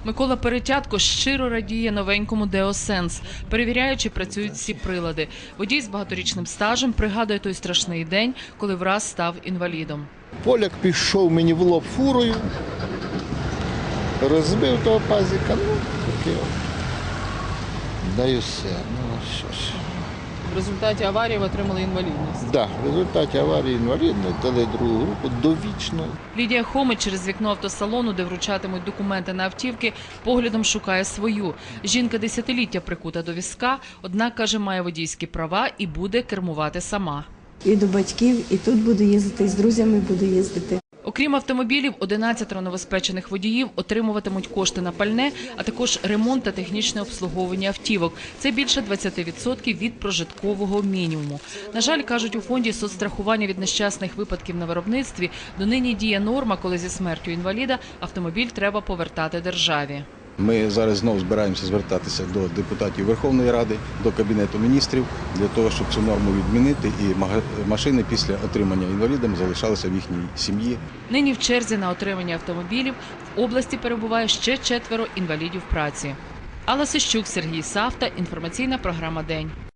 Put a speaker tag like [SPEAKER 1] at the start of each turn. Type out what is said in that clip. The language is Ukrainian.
[SPEAKER 1] Микола Перетятко щиро радіє новенькому Деосенс, перевіряє, чи працюють всі прилади. Водій з багаторічним стажем пригадує той страшний день, коли враз став інвалідом.
[SPEAKER 2] Поляк пішов мені в лоб фурою, розбив того пазика, таке. Да і все, що ж.
[SPEAKER 1] В результаті аварії ви отримали інвалідність.
[SPEAKER 2] Да, в результаті аварії інвалідної дали другу групу довічно.
[SPEAKER 1] Лідія Хомич через вікно автосалону, де вручатимуть документи на автівки, поглядом шукає свою. Жінка десятиліття прикута до візка, однак, каже, має водійські права і буде кермувати сама.
[SPEAKER 3] І до батьків, і тут буду їздити, і з друзями буду їздити.
[SPEAKER 1] Окрім автомобілів, 11 новоспечених водіїв отримуватимуть кошти на пальне, а також ремонт та технічне обслуговування автівок. Це більше 20% від прожиткового мінімуму. На жаль, кажуть у фонді соцстрахування від нещасних випадків на виробництві, донині діє норма, коли зі смертю інваліда автомобіль треба повертати державі.
[SPEAKER 4] Ми зараз знову збираємося звертатися до депутатів Верховної Ради, до Кабінету міністрів, для того, щоб цю норму відмінити і машини після отримання інвалідами залишалися в їхній сім'ї.
[SPEAKER 1] Нині в черзі на отримання автомобілів в області перебуває ще 4 інвалідів праці. Алла Сищук, Сергій Савта, інформаційна програма «День».